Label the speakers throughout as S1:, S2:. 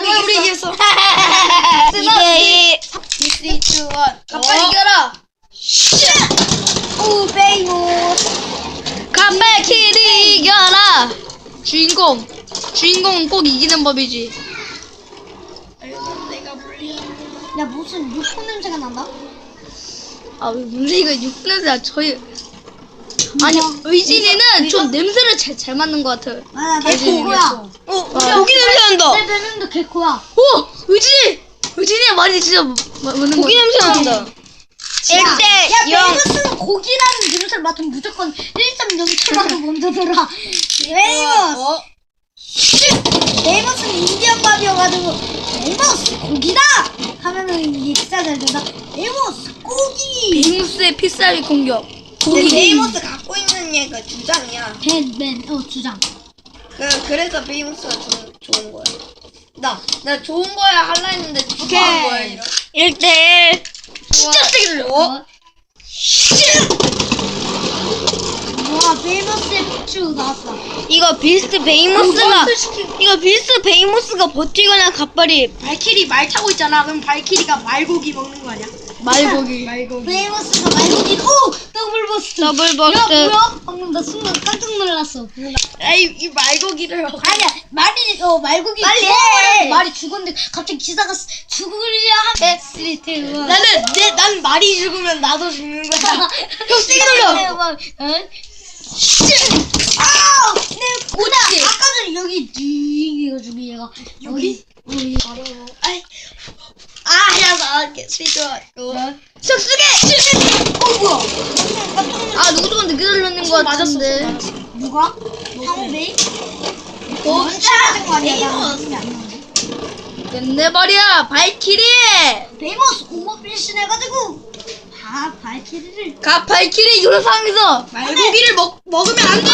S1: 우리 이겼어.
S2: 2대2.
S1: 3, 2, 1. 가빨 이겨라.
S2: 오, 베이모스.
S3: 가빨키리 이겨라. 주인공은 꼭 이기는 법이지.
S1: 아이고 내가 불리한.
S2: 야, 무슨 육포 냄새가 난다?
S3: 아, 왜 문제가 육냄새야. 저희 아니 의진이는 좀 냄새를 잘 맡는 것 같아요.
S2: 아, 내 개코야.
S1: 고기 냄새 난다.
S2: 내 별명도 개코야.
S3: 오, 의진이 말이 진짜 맞는 거.
S1: 고기 냄새 난다.
S2: 1대 야,
S1: 0.
S2: 베이모스는 고기라는 냄새를 맡으면 무조건 1.0초라도 먼저 들어. 베이모스. 베이모스는 인디언 밥이어가지고 베이모스 고기다 하면은 이게 진짜 잘 된다. 베이모스 고기.
S3: 빅무스의 피살이 공격.
S1: 베이모스 갖고 있는 얘가 주장이야.
S2: 밴 주장.
S1: 그래서 베이모스가 좋은 거야. 나 좋은 거야 할라 했는데 좋은 거야 이런.
S2: 1대1.
S1: 진짜 세게 들려.
S2: 와, 베이모스의 폭주 나왔어.
S1: 이거 비스트 베이모스가 버티거나 갑발이 발키리 말 타고 있잖아. 그럼 발키리가 말고기 먹는 거 아니야?
S3: 말고기.
S2: 베이모스가 말고기. 오, 더블 버스트. 야, 뭐야? 방금 나 순간 깜짝 놀랐어.
S1: 이 말고기를 먹어.
S2: 아니야, 말고기
S1: 빨리
S2: 죽어버려.
S1: 해.
S2: 말이 죽었는데 갑자기 기사가 죽으려 하면 스리트.
S1: 난 말이 죽으면 나도 죽는 거야. 형 세게 돌려.
S2: 내 고다. 아까 전에 여기 이가지고 얘가 여기.
S1: 야 나갈게. 스위트. 쑥쑥해.
S2: 뭐야?
S3: 아, 누구도 늦게 들렸는 것 같은데.
S2: 누가? 상호베이?
S1: 진짜
S2: 맞은 거 아니야? 나 느낌이 안 나는데.
S3: 끝내버려, 발키리.
S2: 베이모스 공모 필신 해가지고 발키리를.
S3: 발키리 이런 상황에서
S1: 말고기를 먹으면 안 돼.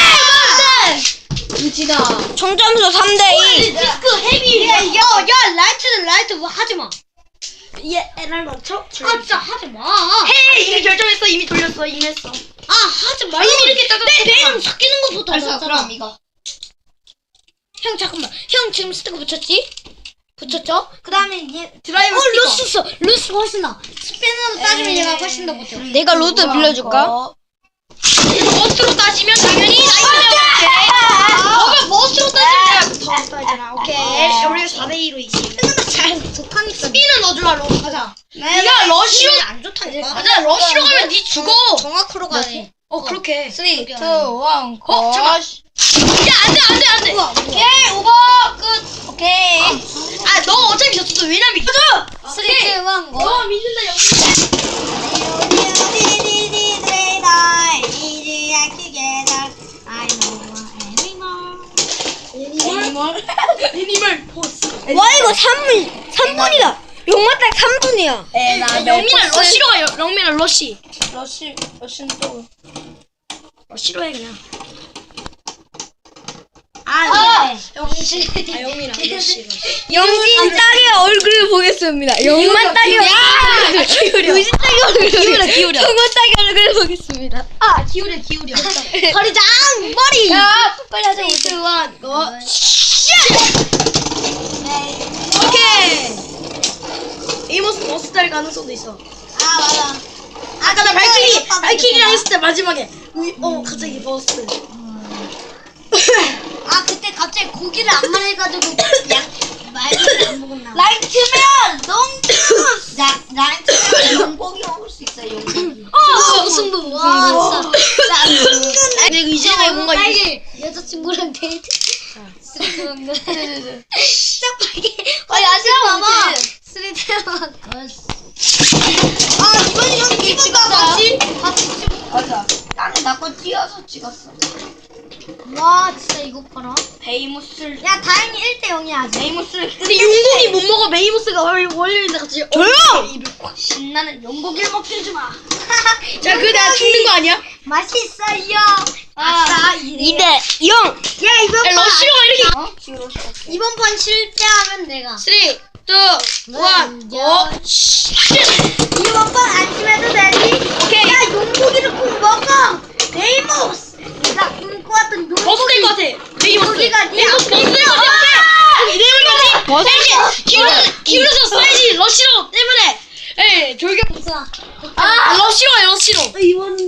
S3: 유지다.
S1: 총점수 3대2.
S2: 디스크 헤비. 야, 라이트 뭐 하지 마.
S1: 얘 애날 맞춰?
S2: 진짜 하지 마.
S1: 헤이 이미 결정했어. 이미 돌렸어. 이미 했어.
S2: 하지 마.
S1: 이미 이렇게 짜증
S2: 내 배랑 섞이는 것보다
S1: 알았어.
S2: 낫잖아.
S1: 그럼 이거.
S2: 형 잠깐만. 형 지금 스티커 붙였지? 붙였죠?
S1: 그 다음에 얘 드라이브 스티커.
S2: 루스 훨씬 나. 스피너로 따지면 얘가 훨씬 더 못해.
S1: 내가 로드 빌려줄까? 머스로 따지면 당연히 너가 머스로 따지면 내가 더 따잖아. 오케이. 우리 4대2로 이기.
S2: 잘 좋다니까.
S1: 스피는 넣어주라. 러 가자. 네가 러쉬로
S2: 안 좋다니까.
S1: 맞아. 러쉬로 가면 니 죽어.
S2: 정확으로 가네.
S1: 그렇게.
S3: 3, 2, 1,
S1: 잠깐. 안돼.
S2: 오케이,
S1: 오버 끝. 오케이. 너 어차피 졌어. 왜냐면 이거.
S2: 3, 2, 1, 고.
S1: 너 믿는다 여기. 애니멀 보스.
S2: 와, 이거 3분이다. 용만 딱 3분이야.
S1: 영민아 러쉬로 가. 영민아 러쉬. 러쉬는 또 러쉬로 해 그냥.
S2: 영진.
S1: 영민아 러쉬.
S2: 영진 딸의 얼굴을 보겠습니다. 영만 딸의 얼굴.
S1: 기울여.
S2: 의진 딸의 얼굴.
S1: 기울여.
S2: 정원 딸의 얼굴을 보겠습니다.
S1: 기울여.
S2: 허리장 머리.
S1: 야, 빨리 하자. 2, 1, 고. 오케이. 이모스 버스 탈 가능성도 있어.
S2: 맞아.
S1: 아까 나 발키리랑 했을 때 마지막에 갑자기 버스.
S2: 그때 갑자기 고기를 안 말해가지고 말고기 안 먹었나?
S1: 라이트면 너무
S2: 라이트면
S1: 용고기 먹을 수 있어. 용고기.
S2: 승부. 와, 진짜.
S1: 근데 이제는 뭔가
S2: 빨리 여자친구랑 데이트. 스리트만 진짜 빨리.
S1: 아직 봐봐.
S2: 스리트만.
S1: 이번이 형 이번 같이
S2: 같이
S1: 맞아. 나는 나거 띄어서 찍었어.
S2: 와, 진짜 이거 봐라.
S1: 베이모스.
S2: 야, 다행히 1대 0이야 아직.
S1: 베이모스. 근데 용고기 못 먹어. 베이모스가 월요일인데 같이. 조용. 입을 꽉 신나는 용고기를 먹지 마. 자, 그 내가 죽는 거 아니야?
S2: 맛있어요. 아싸.
S1: 2대 0.
S2: 야, 이번 판
S1: 러쉬로 이렇게.
S2: 이번 판 실패하면 내가.
S1: 3, 2, 1, 고.
S2: 이번 판 안심해도 되지?
S1: 오케이.
S2: 야, 용고기를 꼭 먹어. 베이모스. 내가 꿈꿔왔던
S1: 버스 될것 같아. 베이모스.
S2: 용고기가 네
S1: 베이모스 버스 될것 같아.
S2: 앞에.
S1: 오케이. 버스.
S2: 있어.
S1: 러시로.
S2: 이거는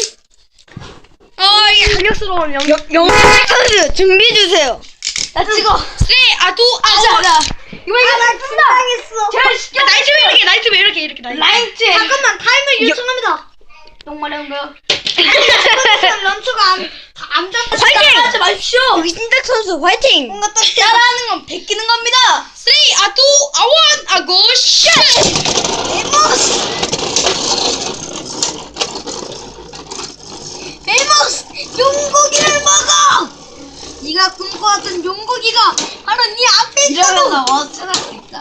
S1: 이게 자격스러운
S3: 영진 선수 준비해 주세요.
S1: 나 찍어. 자. 이거
S2: 나 금방했어.
S1: 제가 시켜. 나이트 이렇게 나이트.
S2: 잠깐만 타임을 요청합니다.
S1: 똥마려운 거.
S2: 런처가 안 잡고
S3: 화이팅!
S1: 하지 마십시오.
S3: 유진탁 선수 화이팅!
S2: 뭔가 또
S1: 따라하는 건 베끼는 겁니다. 3, 2, 1, go, shot!
S2: 베이모스 용고기를 먹어. 네가 꿈꿔왔던 용고기가 바로 네 앞에 있다고.
S1: 어쩌나 있다.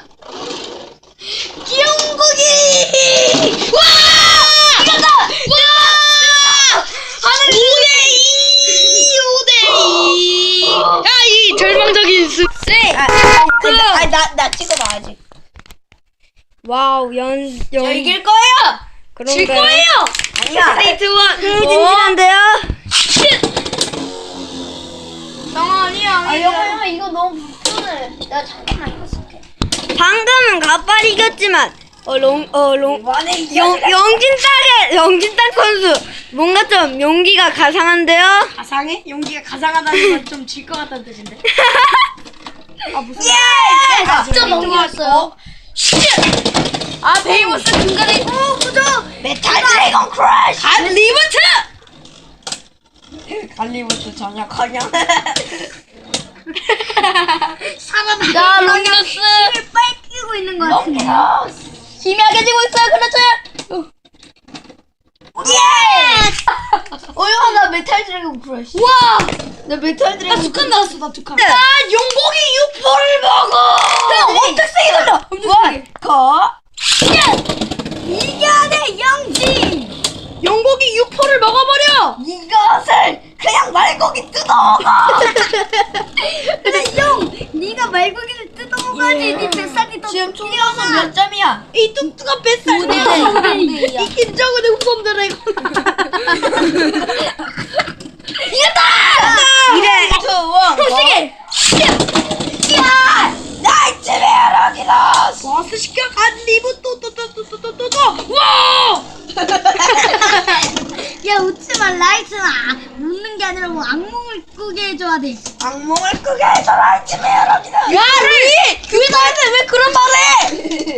S2: 용고기.
S1: 와! 이겼다! 와! 하늘 5대2! 야, 이 절망적인 수.
S3: 나 찍어봐야지. 와우,
S1: 저 이길 거예요! 질 거예요!
S3: 아니야.
S1: 3, 2, 1.
S3: 흥미진진한데요?
S1: 아니야.
S2: 영아 이거 너무 불편해. 나 잠깐만 이거 쓸게.
S3: 방금은 가빨이 이겼지만, 영진탁 선수, 뭔가 좀 용기가 가상한데요?
S1: 가상해? 용기가 가상하다는 건 좀 질 것 같다는 뜻인데. 무슨
S2: 진짜 넘겼어요.
S1: 베이모스 중간에
S2: 메탈 드래곤 크러쉬.
S1: 갈리버트!
S3: 갈리부터 전역하냐?
S2: 살아나.
S1: 자, 롱기너스!
S2: 힘을 빨끼고 있는 것 같은데.
S1: 힘이 약해지고 있어요, 그렇죠?
S2: 예!
S1: 어휴, 나 메탈 드래곤 크러쉬. 우와! 나 메탈 드래곤. 나 두 칸 나왔어, 나 두 칸. 나 용고기 육포를 먹어! 형, 엄청 세게 돌려! 엄청 세게.
S2: 이겨내 영진.
S1: 용고기 육포를 먹어버려!
S2: 이것을 그냥 말고기 뜯어먹어. 그래 형, 네가 말고기를 뜯어먹어야지. 네 뱃살이 더
S1: 지금 총점수 몇 점이야? 이 뚱뚱한 뱃살.
S2: 5대2.
S1: 이 김정은의 후손 드래곤.
S3: 이래!
S1: 세게!
S2: 야! 나이트 베어럭이다.
S1: 버스 시켜 갈리브 또. 와!
S2: 야 웃지마. 라이트는 웃는 게 아니라 뭐 악몽을 꾸게 해줘야 돼.
S3: 악몽을 꾸게 해서 라이트 베어럭이다.
S1: 야, 루이! 교회 다니는데 왜 그런 말해?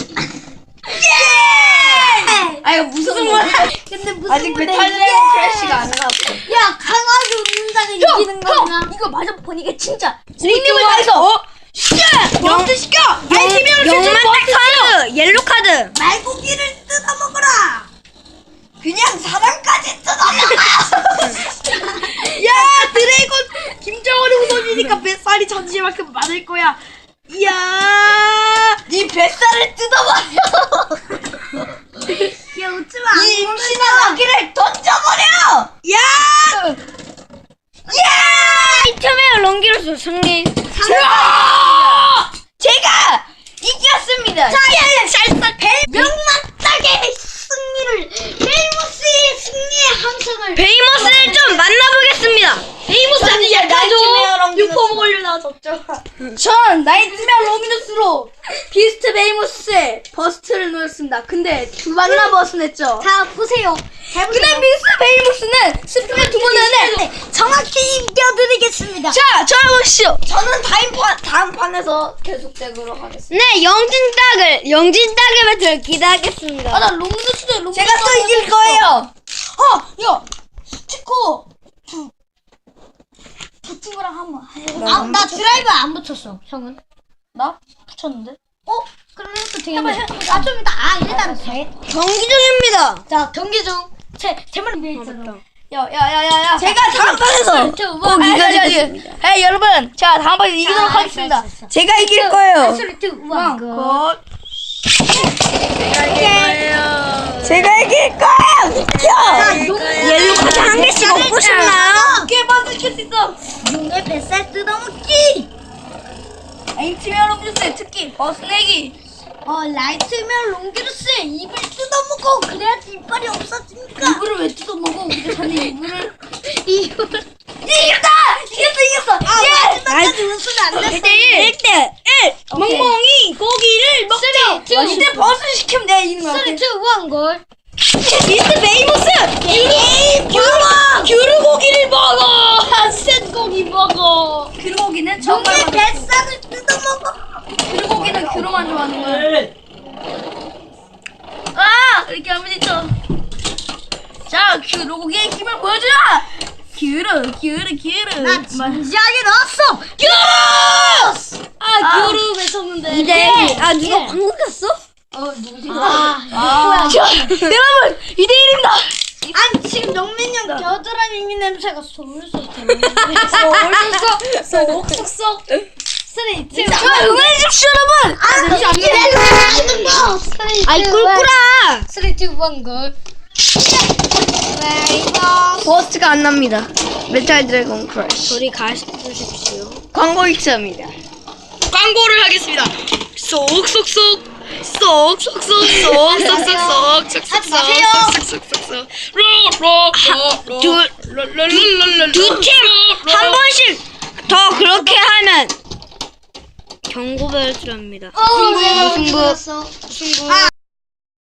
S2: 예!
S1: 아, 이거 무슨 말이야?
S2: 근데 무슨
S1: 아직
S2: 말이야?
S1: 메탈 드래곤 크래쉬가 안 나왔어.
S2: 야 강하게 웃는 자는 이기는 거구나.
S1: 이거 맞아 보니까 진짜 님을 다해서 버스 시켜! 아니 팀이랑
S3: 영만탁 선수 옐로 카드.
S2: 말고기를 뜯어먹어라. 그냥 사람까지 뜯어먹어.
S1: 야, 드래곤 김정은의 후손이니까 뱃살이 전지만큼 많을 거야. 이야,
S2: 네 뱃살을 뜯어버려. 야 웃지마.
S1: 이
S2: 임신한 아기를 던져버려.
S1: 야,
S3: 이참에 롱기로스 승리.
S2: 제가 이겼습니다. 명만딱의 승리를 베이모스의 승리의 함성을.
S3: 베이모스를 좀 만나보겠습니다.
S1: 베이모스 아니야, 나죠. 육포 먹으려 나졌죠. 전 나이트메어 로미누스로 비스트 베이모스의 버스트를 놓았습니다. 근데 두 번이나 버스냈죠.
S2: 자 보세요.
S1: 근데 비스트 베이모스는 스프레 두 번 했는데.
S2: 정확히 이겨드리겠습니다.
S1: 자, 저보시오.
S2: 저는 다음 판에서 계속되도록 하겠습니다.
S3: 네, 영진탁의 배틀 기대하겠습니다.
S1: 나 로미누스도
S2: 제가 또 이길 거예요.
S1: 야, 스티커. 붙은 거랑 한번.
S2: 나 드라이브 안 붙였어. 형은?
S1: 나 붙였는데?
S2: 그러면 또 되겠네. 좀 이따. 일단
S3: 경기 중입니다.
S2: 자 경기 중 제말 준비했잖아.
S1: 야.
S3: 제가 다음 판에서 꼭 이겨주겠습니다.
S1: 여러분, 자 다음 판에 이기도록 하겠습니다.
S3: 제가 이길 거예요. 제가 이길 거예요. 옐로 카드 한 개씩 얻고 싶나요?
S1: 깨만 지킬 수 있어.
S2: 용의 뱃살 뜯어먹기.
S1: H팀 여러분들 특히 버스 내기.
S2: 라이트면 롱기루스의 입을 뜯어먹고 그래야지 이빨이 없어지니까.
S1: 이거를 왜 뜯어먹어? 우리 자네 이거를.
S2: 이겼다.
S1: 이겼어.
S2: 마지막까지 웃으면 안 됐어.
S3: 1대1. 1대1.
S1: 멍멍이. 고기를 먹자. 이제 버스 시키면 내가 이기는 거야.
S3: 3, 2, 1, 골.
S1: 미스터 베이모스 귤 고기를 먹어. 셋 고기 먹어. 귤 고기는 정말
S2: 내 뱃살을 뜯어먹어.
S1: 귤 고기는 귤로만 좋아하는 거야. 아 이렇게 하면 있죠. 자 귤 고기의 힘을 보여주라. 귤을
S2: 나 진지하게 넣었어.
S1: 귤을 외쳤는데.
S2: 누가 방금 갔어?
S1: 여러분 2대1입니다.
S2: 아니 지금 영민이 형 겨드랑이 있는 냄새가 솔솔
S1: 쏙쏙쏙.
S2: 3, 2, 1.
S1: 응원해 주십시오 여러분.
S2: 아이 꿀꿀아.
S3: 3, 2, 1, 골.
S2: 버스가 안 납니다. 메탈 드래곤 크러쉬.
S3: 저리 가십시오.
S2: 광고 있습니다.
S1: 광고를 하겠습니다. 쏙쏙쏙.
S2: 한 번씩 더 그렇게 하면 경고벨 줄합니다.
S3: 승부.
S2: 승부.